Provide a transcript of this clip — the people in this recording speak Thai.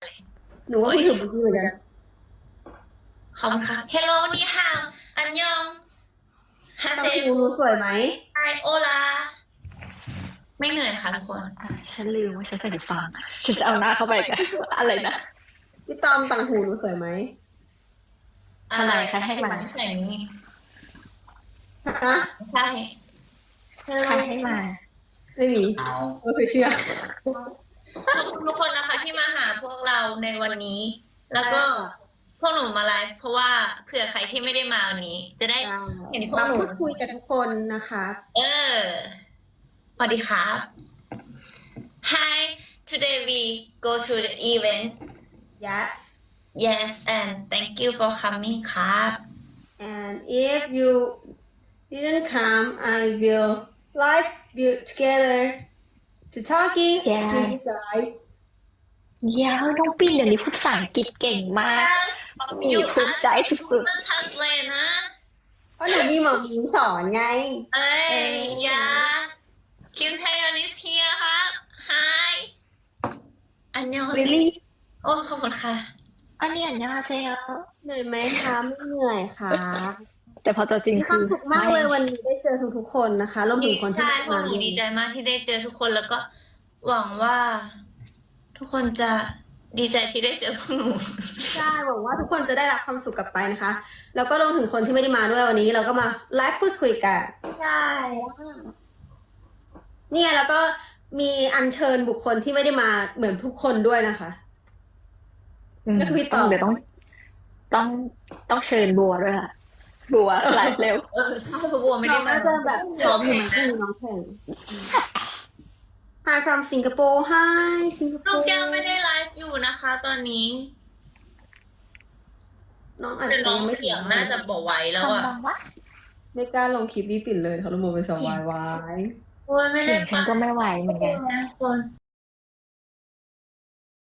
หนูว่าพี่ถึงเมื่อกี้เหมือนกันขอบคุณค่ะ Hello นี่ฮาวอันยองฮาตัเซงหูหนูสวยไหมไอโอลาไม่เหนื่อยค่ะทุกคนฉันลืมว่าฉันใส่หูฟังฉันจะเอาหน้าเข้าไปกันอะไรนะพี่ตอมตังหูหนูสวยไหมทำไมคะให้มาใส่นี้ฮะใช่ใครให้มาไม่มีไม่เคยเชื่อขอบคุณทุกคนนะคะที่มาหาพวกเราในวันนี้ แล้วก็พวกหนูมาไลฟ์เพราะว่าเผื่อใครที่ไม่ได้มาวันนี้ จะได้เห็นพวกมาหนูพูดคุยกับทุกคนนะคะสวัสดีครับ Hi today we go to the event yes yes and thank you for coming ครับ and if you didn't come I will live you together to talking to you guys เดี๋ยวน้องปิ่นเดี๋ยวนี้พูดภาษาอังกฤษเก่งมาก Yes มีภูมิใจสุด translate นะเพราะหนูมีหมอมีสอนไงเอ้ยยาคิวไทยอนิสเฮียครับ Hi อันยอง really โอ้ขอบคุณค่ะๆอันนี้อันยาเซลเหนื่อยไหมคะไม่เหนื่อยค่ะแต่พอตัวจริงมีคคืวามอสุขมากเลยวันนี้ได้เจอทุกๆคนนะคะรวมถึงคนที่ใช่พวกมาหนูดีใจมากที่ได้เจอทุกคนแล้วก็หวังว่า ทุกคนจะดีใจที่ได้เจอพวกหนูใช่หวังว่าทุกคนจะได้รับความสุขกลับไปนะคะ แล้วก็รวมถึงคนที่ไม่ได้มาด้วยวันนี้ เราก็มาไลฟ์พูดคุยกันใช่เนี่ยแล้วก็มีอัญเชิญบุคคลที่ไม่ได้มาเหมือนทุกคนด้วยนะคะ ก็คือพี่ต่อเดี๋ยวต้องเชิญบัวด้วยค่ะ บัวไลฟ์เร็วใช่เพราะบัวไม่น้ได้องมาน่าจะแบบซ้อมอยู่มั้งน้องแข่ง Hi from Singapore Hi น้อง Singapore แก้วไม่ได้ไลฟ์อยู่นะคะ ตอนนี้น้องอาจแต่จะน้องยังไม่เสียงน่าจะบอกไว้แล้วอะคำบังวะไม่กล้าลงคลิปพี่ปิ่นเลยเขาลงมาเป็นสวายวายโอ้ยไม่เสีได้ยงฉันก็ไม่ไหวเหมือนกันนะคน